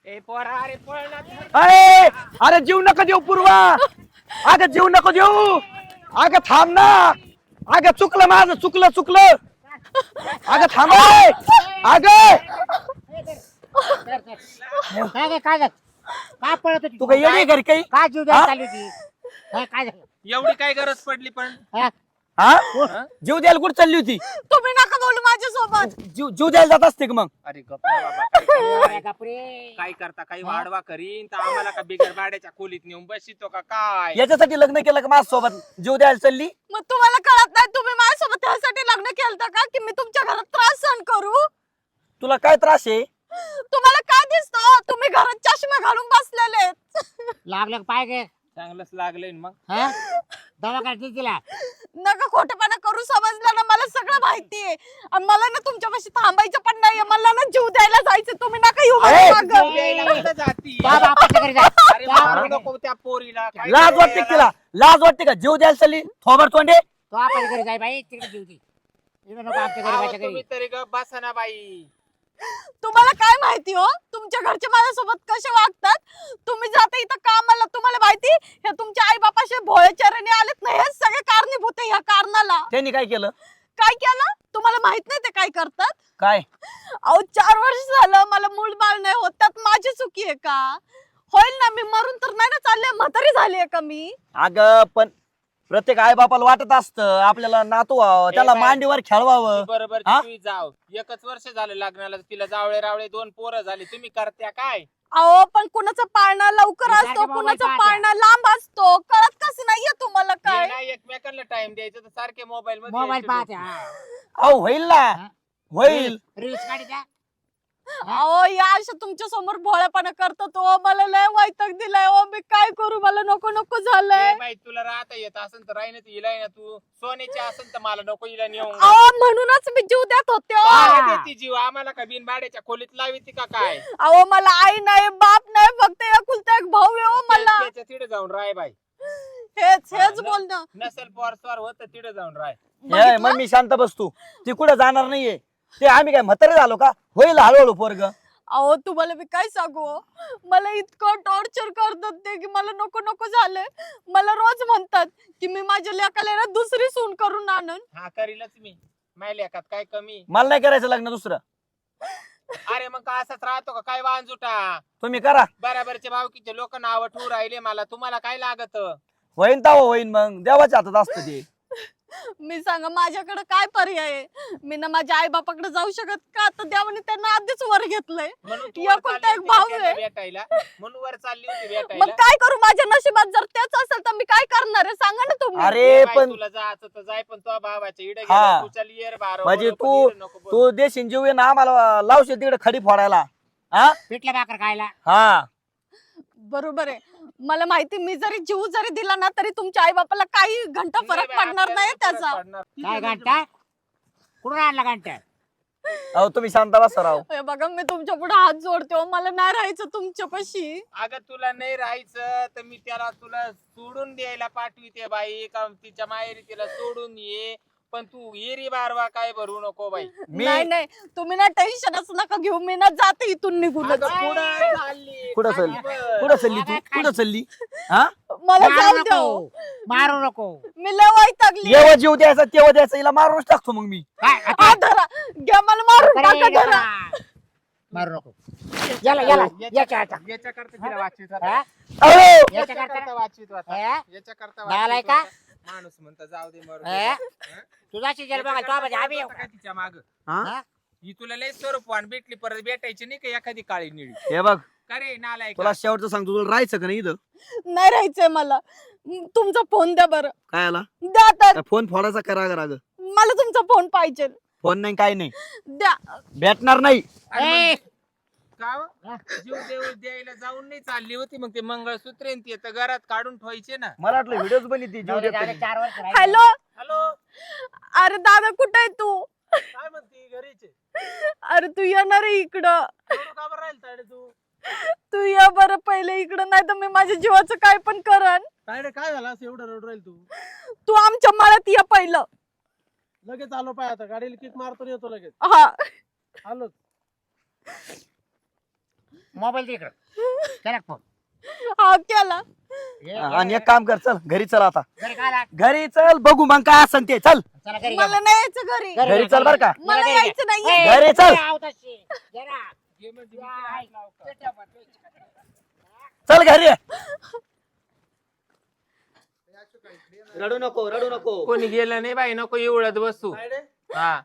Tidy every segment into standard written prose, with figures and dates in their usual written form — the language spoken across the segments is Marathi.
ए पोरा अरे पळ ना. अरे अरे जीव नका देऊ पूर्वा. अगं जीव नको देऊ. अगं थांब ना. अगं चुकलं माझं चुकलं. अगं थांब. अगं काय पळत होती तू काय येडी घरी काही काय जीव द्यायला चालली होती काय झालं एवढी काय गरज पडली पण हा? हा जीव द्यायला कुठे चालली होती. तुम्ही नका बोलू माझ्यासोबत. जीव द्यायला जात असते का मग. अरे गप्प ना बाबा काय करता? अरे बापरे. काय करता काही वाढवा करीन तर आम्हाला का बिगर भाड्याच्या खोलीत नेऊन बसितो का काय. याच्यासाठी लग्न केलं का माझ्यासोबत जीव द्यायला चालली. मग तुम्हाला कळत नाही तुम्ही माझ्यासोबत त्यासाठी लग्न केलं का की मी तुमच्या घरात त्रास सहन करू. तुला काय त्रास आहे. तुम्हाला काय दिसतो तुम्ही घरात चष्मा घालून बसलेले. लागलं का पाय गे चांगलंच लागलंय ना मग. हा दवाखान्यात दिला नका खोटेपणा करू समजलं ना मला सगळं माहितीये. आणि मला ना तुमच्यापाशी थांबायचं पण नाहीये. मला ना जीव द्यायला जायचं. तुम्ही नका येऊ अरे, माझ्या मागं. द्यायला कुठं जाती? त्या बापाच्या घरी जा अरे मारू नको त्या पोरीला. काय लाज वाटते का तिला. लाज वाटते का जीव द्यायला चालली. थोबर तोंडे. तो आपल्या घरी जाय बाई तिकडे जीव दे इकडे नको आमच्या घरी अहो, बाच्या घरी तुम्ही तरी गप्प बसा ना बाई. तुम्हाला काय माहिती हो तुमच्या घरचे माझ्यासोबत कसे वागतात. तुम्ही जाता इथं कामाला तुम्हाला माहिती हे तुमच्या आई बापाशी भोळेचरणी आलेत नाही हे सगळे कारणीभूत आहे. ह्या कारणाला त्यांनी काय केलं. काय केलं तुम्हाला माहित नाही ते काय करतात. काय अहो 4 वर्ष झालं मला मूल बाळ नाही होत त्यात माझी चुकी आहे का. होईल ना मी मरून तर नाही ना चालले म्हातारी झाली आहे का मी. अगं पण प्रत्येक आई बापाला वाटत असतं आपल्याला नातू व्हावं त्याला बाई. मांडीवर खेळवावं. बरोबर हा? तुम्ही जाव 1 वर्ष झालं लग्नाला तिला जावळे रावळे 2 पोरं झाली तुम्ही करत्या काय. अहो पण कुणाचा पाळणा लवकर सारखं असतो मोबाईल कुणाचा पाहत्या. पाळणा लांब असतो. कळत कसं नाहीये तुम्हाला हे काय. नाही एकमेकांना टाइम द्यायचं तर सारखे मोबाईल मध्ये मोबाईल यायचे पाहते लोकं. अहो होईल ना. होईल. रील्स काढी द्या अहो या अशा तुमच्या समोर भोळेपणा करतो तो मला लय वैताग दिलाय. ओ मी काय करू मला नको नको झालंय. ए बाई तुला राहता येत असेल तर राही ना हिला ना तू सोन्याची असेल तर मला नको हिला नेऊन अहो म्हणूनच मी जीव देत होते हो. काय देती जीव आम्हाला का बिन भाड्याच्या खोलीत लाविती का काय. अहो मला आई नाही बाप नाही फक्त एकुलता एक भाऊ आहे हो मला. त्याच्या तिथे जाऊन राय बाई. हेच बोलणं. नसेल पोरस्वार होत तिथे जाऊन राय. हे, मग मी शांत बसतो. ती कुठे जाणार नाहीये. ते आम्ही काय म्हातारे झालो का. होईल हळूहळू पोरग. अहो तुम्हाला मी काय सांगू हो? मला इतकं टॉर्चर करतात ते की मला नको नको झालंय. मला रोज म्हणतात की मी माझ्या लेकाला ना दुसरी सून करून आणन. हा करीलच मी माहिती लेखात काय कमी. मला नाही करायचं लग्न दुसरं. अरे मग का असाच राहतो का काय वांजुटा. तुम्ही करा. बराबरचे भावकीचे लोक नाव ठेवू राहिले मला तुम्हाला काय लागत. होईन ताव होईन मग देवाच्या हातात असतं ते. मी सांगा माझ्याकडे काय पर्याय आहे. मी ना माझ्या आई बापाकडे जाऊ शकत का. तर देवाने त्यांना आधीच वर घेतलंय. म्हणून तू या वर कोणता चालली एक होती भाऊ त्यांना आहे. भेटायला म्हणून वर चालली होती मग भेटायला. काय करू माझ्या नशिबात जर तेच असेल तर मी काय करणार आहे सांगा ना तुम्ही. अरे ए बाई, पण तुला जायचं तर जाय पण तो भावाच्या इडे हा. गेला तू चल येर बारा म्हणजे नको तू इडे नको बोल. तू देशील जीव ना आम्हाला लावशील तिकडे खडी फोडायला. हा पिठल्या भाकर खायला हा बरोबर आहे. मला माहिती मी जरी जीव जरी दिला ना तरी तुमच्या आई बापाला काही घंटा नाही फरक बाई, पडणार नाही आपल्याला फरक त्याचा. पडणार. काय घंटा कुठून आणला घंटा अहो तुम्ही शांत बसा राव. हे बघा मी तुमच्या पुढे हात जोडते हो. मला नाही राहायचं तुमच्यापाशी. अगं तुला नाही राहायचं तर मी त्याला तुला सोडून द्यायला पाठविते बाई का तिच्या माहेरी तिला सोडून ये. पण तू येरी बारवा काय भरू नको बाई. मी नाही तुम्ही ना टेन्शनच नका घेऊ. मी ना जाते इथून निघूनच. अगं, पुढं चालली, कुठं खाली चालली? बस. कुठं चालली तू कुठं चालली. हा मला मारू जाऊ द्या नको हो. मारू नको मी लय वैतागली. जेव्हा जीव द्यायचा तेव्हा द्यायचा. हिला मारूनच टाकतो मग मी. काय हा धरा घ्या मला मारून टाका धरा. मारू नको याला याला याच्या आता याच्याकरता तिला वाचवीत होता. हा? अहो याच्याकरता वाचवीत होता. हा? याच्याकरता झालाय वाचवीत का? होता. माणूस म्हणता जाऊ दे मरू दे. हा? हा? तुझाची जल बघा तो म्हणजे आम्ही येऊ. काय तिच्या माग हा? ही तुला लय स्वरूपवान भेटली परत भेटायची नाही का एखादी काळी निळी. हे बघ का रे नालाय तुला शेवटचं सांगतो. तुला राहायचं का नाही इथं. नाही राहायचंय मला. तुमचा फोन द्या बरं. काय आला द्या तर. फोन फोडायचा करा राग. मला तुमचा फोन पाहिजे. फोन नाही काय नाही द्या. भेटणार नाही. ए, का हो? जीव देव द्यायला जाऊन नाही चालली होती मग ते मंगळसूत्र आणि ते तर घरात काढून ठेवायचे ना. मला वाटलं व्हिडिओच बनली जाऊ दे, जाऊ दे, 4 वर्ष राहिली. हॅलो हॅलो अरे दादा कुठे आहे तू. काय म्हणते घरीचे अरे तू येणार आहे इकडं. का बरं राहील तायडे तू. तू ये बरं पहिले इकडं नाही तर मी माझ्या जीवाचं काय पण करन. तायडे काय झालं असं एवढं रडू राहील तू. तू आमच्या मळ्यात ये पहिलं. लगेच आलो पाय आता गाडीला किक मारतो येतो लगेच हा आलो. मोबाईल दे इकडं. केला का फोन? हा केला. आणि एक काम कर, चल घरी चल आता. घरी काय आला? घरी चल, बघू मग काय असन ते. चल चला घरी मला घ्या. नाही यायचं घरी. घरी चल बर का. मला यायचं नाहीये. घरी चल. चल घरी. रडू नको, रडू नको. कोणी गेलं नाही बाई, नको एवढत बसू. हा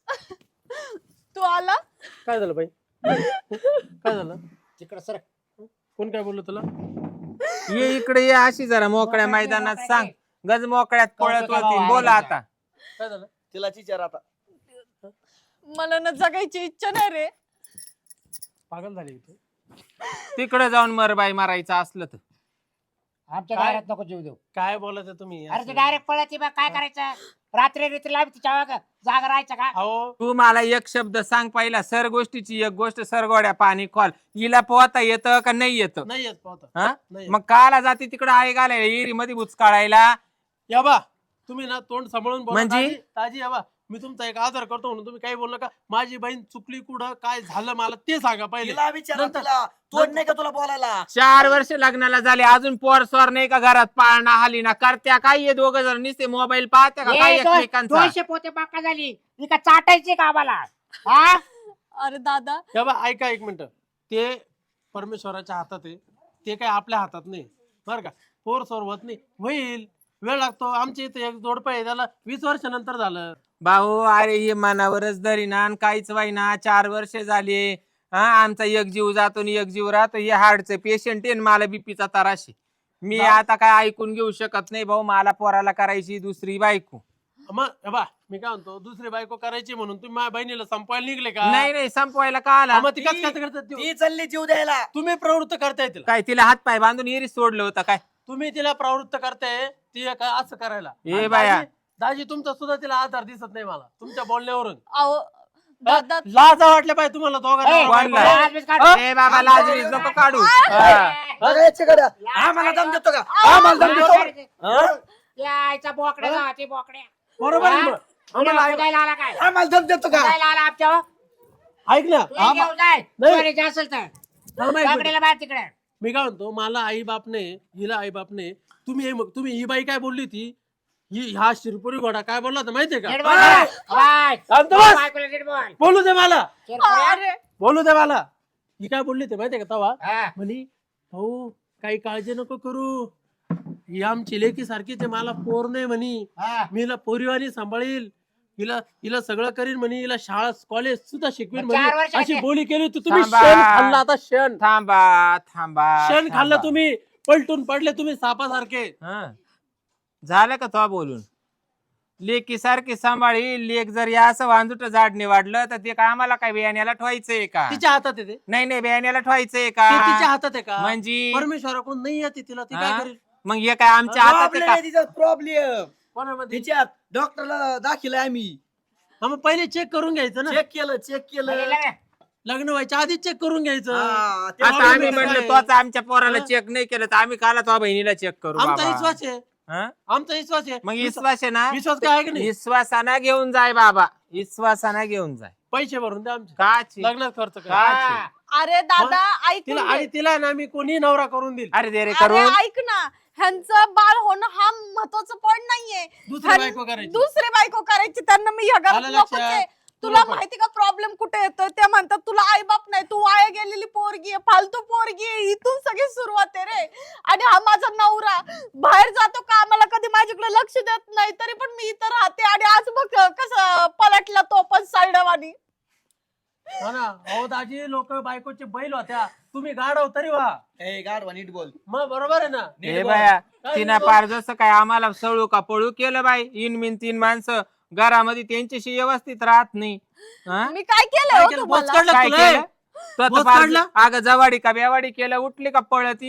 तू आला. काय झालं बाई? काय झालं? तिकडं सर. कोण काय बोललो तुला? ये इकडे ये, अशी जरा मोकळ्या मैदानात सांग. गज मोकळ्यात पळत होती. बोला आता. काय झालं? तिला विचार आता. मला ना जगायची इच्छा नाही रे. पागल झाली तू. तिकडे जाऊन मर बाई, मारायचं असलं तर. आमच्या काय? दारात नको जीव देऊ. काय बोलायचं तुम्ही? अरे ते डायरेक्ट पळायची बा, काय करायचं? रात्री आम्ही तिच्या जागा राहायचं का? अहो तू मला एक शब्द सांग पहिला. सर गोष्टीची एक गोष्ट, सरगोड्या पाणी कॉल. हिला पोहता येतं का नाही येतं? नाही येत पाहता. हा? नाही. मग काला जाते तिकडे आहे घालायला, एरी मध्ये बुचकाळायला. या बा, तुम्ही ना तोंड सांभाळून बोला. म्हणजे? ताजी या बा, मी तुमचा एक आदर करतो म्हणून तुम्ही काही बोलला का? माझी बहीण चुकली कुठं, काय झालं मला ते सांगा पहिले. तिला विचार, नंतर- तिला तोड नाही का तुला बोलायला? 4 वर्ष लग्नाला झाले, अजून पोर स्वार नाही का घरात? पाळणा हाली ना करत्या काय? ये दोघ जण नुसते मोबाईल पाहत्या का काय एकमेकांचा? 200 पोते बाका झाली. ती का चाटायची का आम्हाला? हा? अरे दादा, या बा, ऐका एक मिनिट. ते परमेश्वराच्या हातात आहे, ते काय आपल्या हातात नाही बरं का. पोर सोर होत नाही, होईल, वेळ लागतो. आमच्या इथे एक जोडपं आहे, त्याला 20 वर्षानंतर झालं. भाऊ अरे हे मनावरच धरी ना, काहीच वाईना. 4 वर्ष झाले. हा, आमचा एक जीव जातो आणि एक जीव राहतो. हे हार्टचं पेशंट आहे, मला बीपीचा त्रास आहे. मी आता काय ऐकून घेऊ शकत नाही भाऊ. मला पोराला करायची दुसरी बायको. मग या बा, मी काय म्हणतो, दुसरी बायको करायची म्हणून तुम्ही माझ्या बहिणीला संपवायला निघले का? नाही नाही, संपवायला का आला? मग ती कसं काय करतात? ती चालली जीव द्यायला. तुम्ही प्रवृत्त करताय तिला. काय तिला हात पाय बांधून एरी सोडलं होतं काय? तुम्ही तिला प्रवृत्त करताय ती काय असं करायला. ए आणि बाया. दाजी तुमचा सुद्धा तिला आधार दिसत नाही मला तुमच्या बोलण्यावरून. अहो दादा, लाजा वाटल्या पाहिजे तुम्हाला ए, दोघांना. कोणला? आजमीच काढ. ए बाबा, लाजरीच नको काढू. हा. बघा याच्याकडे. आम्हाला दम देतो का? आम्हाला दम देतो. हा? यायचा बोकड्या गावाची बोकड्या. बरोबर आहे मग. आम्हाला ऐक- उदायला आला काय? आम्हाला दम देतो का? उदायला आला आमच्या. ऐक ना. तू घेऊन जाय. नाही. चोरीचे असेल तर. थांबा एक मिनिट. बाकड्याला बाहेर तिकडे. मी काय म्हणतो, मला आई बापने, हिला आई बापने, तुम्ही ही बाई काय बोलली ती, हा शिरपुरी घोडा काय बोलला होता माहितीये नीट का? बोल ना. बाय. शांत बस. बायकोला नीट बोल. बोलू दे मला, शिरपुऱ्या. अरे बोलू दे मला. ही काय बोलली ते माहितीये का तवा? हा. म्हणे भाऊ काही काळजी नको करू, ही आमची लेकी सारखीच आहे, मला पोर नाही म्हणी, हा. मी हिला पोरीवानी सांभाळील, हिला सगळं करीन म्हणे, हिला शाळा कॉलेज सुद्धा शिकवेन 4 म्हणे. वर्षाचे. अशी बोली केली होती. तुम्ही थांबा. शेण खाल्ला आता, शेण थांबा. शेण खाल्लं तुम्ही, पलटून पडले तुम्ही सापासारखे. हा. झालं का तो बोलून? लेकी सारखी सांभाळी. लेक जर या असं वांजुट झाडणे वाढलं तर ते काय आम्हाला काय बियाण्याला ठेवायचंय का? तिच्या हातात आहे ते. नाही बियाण्याला ठेवायचंय ते तिच्या का? हातात आहे का? म्हणजे परमेश्वराकडून नाही येते तिला, ती काय हा? करेल? मग हे काय आमच्या हातात आहे प्रॉब्लेम का? आहे तिचा, प्रॉब्लेम कोणामध्ये? तिच्यात. डॉक्टरला दाखिल आम्ही. हा, मग पहिले चेक करून घ्यायचं ना. चेक केलं. लग्न व्हायच्या आधी चेक करून घ्यायचं. हा, ते आता आम्ही problem म्हणलं काय? तोच आमच्या पोराला हा? चेक नाही केलं तर आम्ही काला तो बहिणीला चेक करू आमचा बाबा? विश्वास आहे, हा? आमचा विश्वास आहे. मग विश्वास आहे ना? विश्वास काय आहे की नाही? विश्वासाना घेऊन जाय बाबा, विश्वासाना घेऊन जाय. पैसे भरून द्या आमचे, काची? लग्नात खर्च करा. का? अरे दादा ऐक तिला आणि तिला ना मी कोणी नवरा करून देईल. अरे दे रे अरे करून. ऐक ना, ह्यांचं बाळ होणं हा महत्वाचा पॉइंट नाहीये. दुसरी बायको करायची. दुसरी बायको करायची, त्यांना मी ह्या घरात आलं नकोच लक्षात. आहे. तू तुला नको. माहिती का प्रॉब्लेम कुठे येतोय? ते म्हणतात तुला आई बाप नाही, तू वाया गेलेली पोरगी आहे, फालतू पोरगी आहे. इथून सगळी सुरुवात आहे रे. आणि हा माझा नवरा बाहेर जातो कामाला, कधी माझ्याकडे लक्ष देत नाही, तरी पण मी इथं राहते. आणि आज बघ कसं पलटला तो पण साईडवानी. हा ना. अहो दाजी, लोक बायकोचे बैल होत्या, तुम्ही गाडव तरी व्हा. ए गाढवा नीट बोल. मग बरोबर आहे ना. हे बाया, तिनं पार जसं काय आम्हाला सळू का पळू केलं बाई. इन 3 माणसं घरामध्ये त्यांच्याशी व्यवस्थित राहत नाही. हा? मी काय केलं काय हो केलं? तुम्हाला? बोच काढलं काय तुला, केलं? ए? तो बोच तर फार- काढला? अगं जवाडी का बेवाडी केलं, उठली का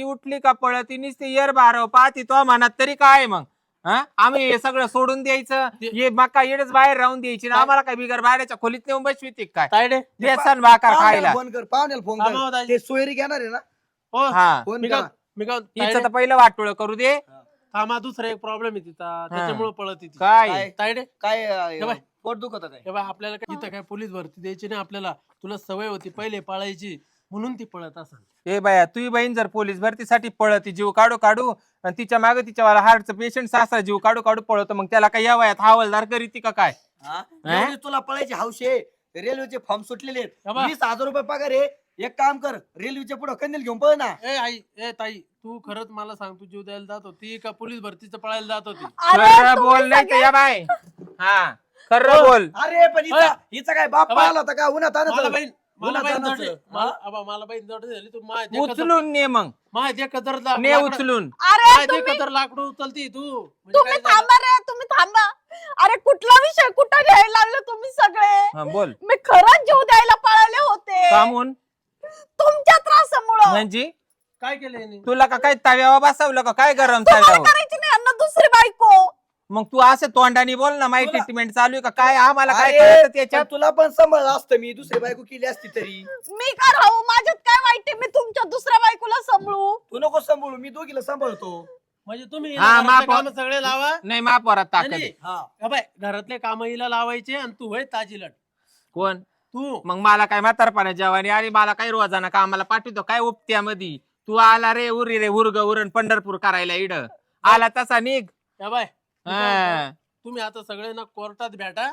पळती नुसती येर बारव पाहती तो म्हणत तरी काय मग? हा? आम्ही हे सगळं सोडून द्यायचं, हे मका येडच बाहेर राहून द्यायची ना आम्हाला काय बिगर बाहेरच्या खोलीत नेऊन बसविते काय? तायडे. बेसन भाकर खायला. फोन कर, पाहुण्याला फोन थांबा, कर. दाजी. ते सोयरी घेणार आहे ना? हो. हा. फोन मी करा. काय मी काय हिचं तायडे, तर पहिलं वाटोळ करू दे. थांबा, दुसरा एक प्रॉब्लेम आहे तिचा, त्याच्यामुळे पळत ती. काय काय? तायडे, काय हे बाय. पोट दुखत काय? हे बाय, आपल्याला काय इथं काय पोलीस भरती द्यायची नाही आपल्याला. तुला सवय होती पहिले पाळायची, म्हणून ती पळत असेल. ए बाया तुझी बहीण जर पोलीस भरतीसाठी पळती जीव काढू काढू आणि तिच्या मागे तिच्या हार्टचं पेशंट सासरा जीव काढू काढू पळतो मग त्याला काय या वयात हवालदार करीती का काय? एवढी तुला पळायची हौस आहे. रेल्वेचे फॉर्म सुटलेले आहेत. बाबा. 20,000 रुपये पगार आहे. एक काम कर, रेल्वेच्या पुढे कंदील घेऊन पळ ना. ए ताई, तू खरंच मला सांग, तू जीव द्यायला जात होती का पोलीस भरतीचं पळायला जात होती? अरे खरं तुम्ही बोल नाही तर सगळे- या बाय. हा खरं बोल. अरे पण हिचा काय बाप बाबा. पाहिला होता का उन्हात मला आणत? बहीण उन्हात जडली. आणायचं. मला बहीण जडली झाली. तू माझ्या उचलून ने मग ने उचलून. अरे तुम्ही लाकडं उचलती तू. म्हणजे तुम्ही काय झालं? थांबा रे, तुम्ही थांबा. अरे कुठला विषय कुठं घ्यायला लागले तुम्ही सगळे? हा, बोल. मी खरंच जीव द्यायला पळाले होते कामून तुमच्या त्रासामुळं. म्हणजे काय केलं याने? तुला का काय तव्यावर बसवलं का काय गरम तुम्हाला तव्यावर? करायची नाही अन्न दुसरी बायको. मग तू असं तोंडाने बोल ना, माझी तुला- ट्रीटमेंट चालू आहे का काय? आम्हाला काय अरे, कळतं पण त्याच्यात? तुला पण सांभाळलं असतं मी, दुसरी बायको केली असती तरी. मी का राहू? माझ्यात काय वाईट आहे? मी तुमच्या दुसऱ्या बायकोला सांभाळू? तू नको सांभाळू, मी दोघीला सांभाळतो. म्हणजे तुम्ही हा, घरातले माप- कामं सगळे लावा. नाही महापौरात ताकद नाही, आहे. हा हा बाय, घरातले काम हिला लावायचे आणि तू होय ताजीलट. कोण? तू मग मला काय म्हातारपणा जेवानी आणि मला काय रोजाना कामाला पाठवतो काय उपत्यामध्ये? तू आला रे उरी रे उरग उरण पंढरपूर करायला इड आला तसा निघ. या बाय, हा. तुम्ही आता सगळे ना कोर्टात भेटा.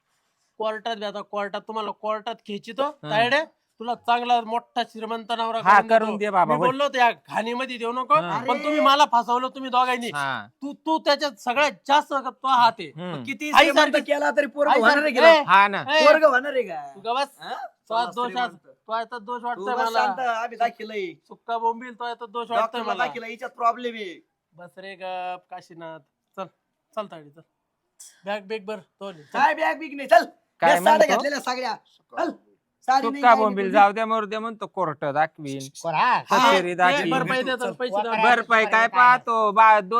कोर्टात तुम्हाला कोर्टात खेचितो तायडे. तुला चांगला मोठा श्रीमंत नवरा हा, देतो. करून दे बाबा, मी होय. बोललो होतो या घाणीमध्ये देऊ नको. हा. पण तुम्ही मला फसवलं तुम्ही दोघांनी. हा. तू त्याच्यात सगळ्यात जास्त तो हात आहे. हम्म. किती आई श्रीमंत सारखी- केला तरी पोरग आई होणार सारखी- आहे ए, का? हा ना. ए, पोरग होणार आहे का? तू गबस. हा? तो चला, दोष श्रीमंत. तो याचा दोष तू वाटतोय बस मला. शांत, आम्ही दाखिलंय. सुक्का बोंबील तो याचा दोष वाटतोय डॉक्टरला मला. दाखिलं, हिच्यात प्रॉब्लेम आहे. बस रे गप काशीनाथ. चल तायडे चल. बॅग बेग बर तो ने. चल. काय बॅग बिग नाही, चल. काय मी साड्या म्हणतो? घातलेल्या सगळ्या. चल. साडी नाही, तुका काही बोंबील नाही. जाऊ द्या मरू द्या म्हणतो कोर्ट दाखवीन. हा. कचेरी ए, दाखवीन. भरपाई देतो पैसे द्या. भरपाई काय पाहतो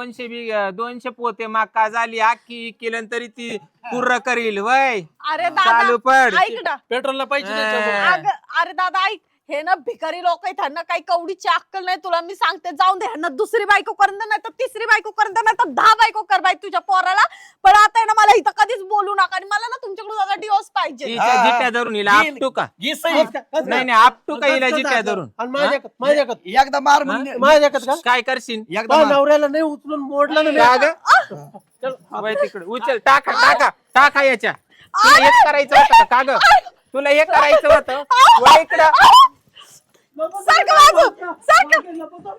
200 पोते मक्का झाली अख्खी केलं तरी ती पूर्ण करील वय. अरे चालू दादा पड. ऐक ना. पेट्रोलला पैसे हा. द्यायचे. अरे दादा ऐक, हे ना भिकारी लोक आहेत, ह्यांना काही कवडीची अक्कल नाही. तुला मी सांगते जाऊन दे, ह्यांना दुसरी बायको करून दे, नाही तर तिसरी बायको करून दे, नाही तर 10 बायको कर बाई तुझ्या पोराला. पण आता आहे ना मला इथं कधीच बोलू नका आणि मला ना तुमच्याकडून दादा डिवोर्स पाहिजे. हिच्या हा. जिट्या धरून हिला आपटू का? घे सही. नाही नाही आपटू का हिला जिट्या धरून? आणि माझ्याकडे एकदा मार म्हणजे माझ्याकडे का काय करशील? एकदा तो मार. नवऱ्याला नाही उचलून मोडलं ना मी. का ग? चल. वय तिकडे उचल टाका याच्या. तुला एक करायचं होतं का ग? तुला एक करायचं होतं वय इकडं. सारखं वाजव, सारखं.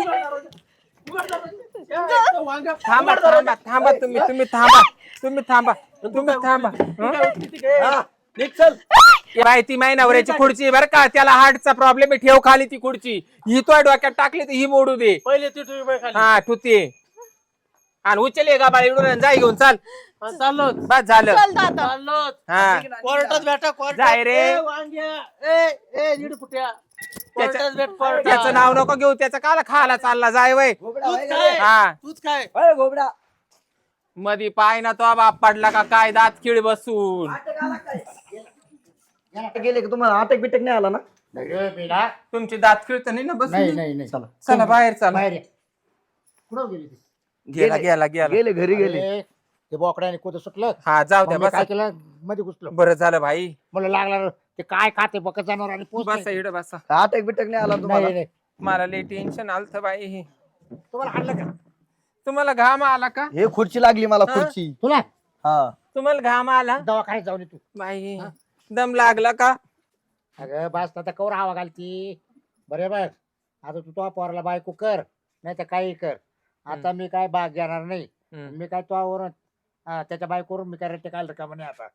थांबा तुम्ही थांबा हं? हा, निघ चल. बाई ती माय नवऱ्याची खुर्ची बर का, त्याला हार्टचा प्रॉब्लेम आहे, ठेव खाली ती खुर्ची. ही तो डोक्यात टाकली तर ही मोडू दे. पहिले ती तुम्ही खाली. हा ठुते आणि उचल का बाळी इडून जाय घेऊन चाल. हा, चाललो बस झालं. चल दादा. चाललो. हा कोर्टात भेटा कोर्टात. जाय रे. ए, वांग्या. A need फुट्या. कोर्टात भेट कोर्टात. त्याचं नाव नको घेऊ, त्याचं काला खाला चालला जाय वय. घोबडा तूच होय काय? का? हा तूच काय? होय घोबडा. मधी पाय ना तो बाप पडला का काय दात किळ बसून. अटक आला काय? गेले का तुम्हाला अटक बिटक नाही आला ना? तुमची दात खिळत नाही ना बस. नाही चला. चला बाहेर चला. बाहेर ये. कुठं गेली ती? गेला गेले घरी गेले. अरे, ते बोकड्याने कुठं सुटलं हा जाऊ द्या मग मी बस. काय केलं मध्ये घुसलो बरं झालं भाई. मला लागला ते काय खाते बकत जनावर आणि पोच बस इकडे बसा. अटक बिटक नाही आला तुम्हाला? नाही नाही मला लई टेन्शन आलत बाई. तुम्हाला हाणलं का तुम्हाला घाम आला का? हे खुर्ची लागली मला खुर्ची. तुला हा तुम्हाला घाम आला दवाखान्यात जाऊन ये तू बाई? दम लागला का? अगं बस आता कवर हवा घालती बरे बघ आता तू तो पोराला बायको कर नाही तर काही कर आता मी काय भाग घेणार नाही हम्म. मी काय तो त्याच्या बायकोवरून मी काय रट्टे काढलं का म्हणे आता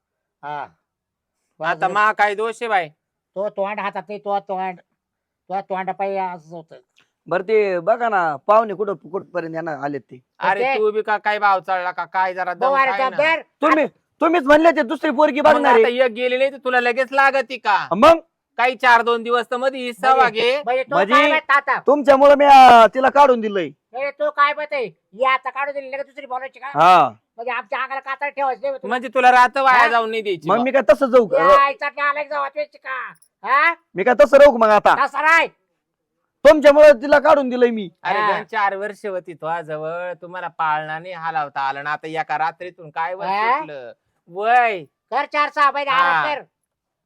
हा आता मा काय दोष आहे बाई? तो तोंड हातात नाही तो तोंडा पाहिजे असं होतं बर ते बघा ना पाहुणे कुठपर्यंत येणार आलेत ते. अरे ओके. तू बी का काय भाव चढला का काय जरा दम बरं, काय ना. जबाबदार. तुम्हीच म्हणले ते दुसरी पोरगी मग बघणार आता आहे. एक गेली नाही तर तुला लगेच लागती का? मग काही 4-2 दिवस तर मध्ये हिस्सा वागे. म्हणजे तो म्हणजे- काय माहित आता तुमच्यामुळे मी तिला काढून दिलंय. तो काय माहित आहे ही आता काढून दिली लगेच दुसरी बोलायची का हा म्हणजे आमच्या अंगाला कातर ठेवायचं नाही होतं. म्हणजे तुला रात वाया हा? जाऊन नाही द्यायची मग बा. मी काय तसं जाऊ का? या आईचा आला जाऊ वाचवायची का हा मी काय तसं राहू का मग आता? तसा नाही तुमच्यामुळे तिला काढून दिलंय मी. अरे हा. 2-4 वर्ष होती तो जवळ तुम्हाला पाळणा नाही हलावता आलं ना. आता एका रात्रीतून काय वर हा? सुटलं? वय कर 4-6 महिने हा. आराम कर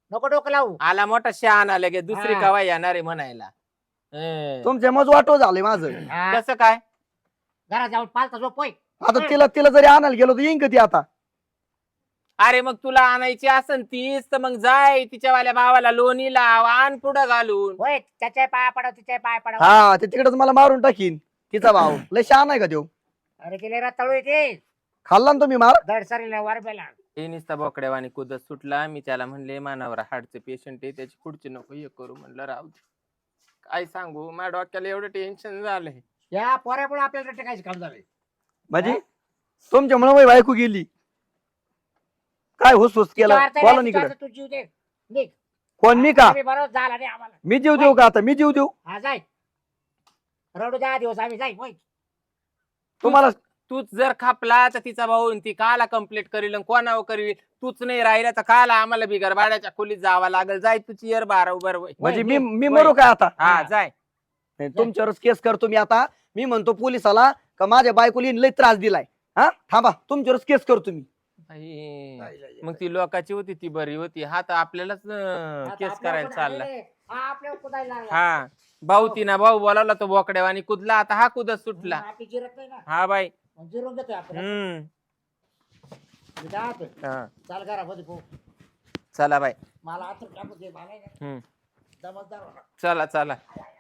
नको डोकं लावू आला मोठा शहाणा लगे दुसरी हा. कवा येणार आहे म्हणायला. तुमच्या मज वाटो झाले माझं. हा, कसं काय? घरात जाऊन पालता झोप होय. आता तिला जरी आणायला गेलो तर येईन का ती आता? अरे मग तुला आणायची असन तीच तर मग जाय तिच्यावाल्या भावाला लोणी लाव आण पुढं घालून. होय त्याच्या पाया पडाव तिच्या पाया पडाव. हा ते तिकडेच मला मारून टाकीन. तिचा भाऊ लय शहाणा आहे का देऊ? अरे तिला रताळू येते खाल्ला ना तुम्ही मार? दडसरीला वरबेला. हे नुसता बोकड्यावानी कुदत सुटला. मी त्याला म्हणले मानावर हार्टचे पेशंट आहे त्याची पुढची नको हे करू म्हणलं राहू दे. काय सांगू माझ्या डोक्याला एवढं टेन्शन झालंय. या पोऱ्यापुढे आपल्याला टेकायचं काम झालंय. म्हणजे तुमच्यामुळे माझी बायको गेली. काय हुसहुस केलं बोला ना इकडे. तू जीव दे निघ. कोण मी का? आम्ही बरोबर झाला नाही आम्हाला. मी जीव देऊ का आता? मी जीव देऊ? हा जाय रडू 10 दिवस आम्ही जाई होय. तुम्हाला तूच जर खापला तर तिचा भाऊ ती काला कंप्लीट करील कोणावर करील. तूच नाही राहिला तर काला आम्हाला बिगर भाड्याच्या खोलीत जावं लागेल. जाय तुझी यर बारा उभर वय. म्हणजे मी मरू काय आता? हा जाय. नाही, तुमच्यावरच केस करतो मी आता. मी म्हणतो पोलिसाला का माझ्या बायकोला लय त्रास दिलाय. हा थांबा तुमच्यावरच केस करतो मी. आई, मग ती लोकांची होती ती बरी होती. हा तर आपल्यालाच आता केस आपल्यावर करायला कोण चालला. आलेलं आहे? हा आपल्यावर कुदायला लागला. हा भाऊ तिना भाऊ बोलावला तो बोकड्यावानी कुदला. आता हा कुदत सुटला. आपली जिरत नाही ना हा बाई. मग जिरून घेतोय आपण. हम्म मी काय म्हणतोय, हा. चाल घरामध्ये भाऊ. चला बाई. मला आता टाकू दे मला नाही. हम्म दमसदार होणार. चला चला.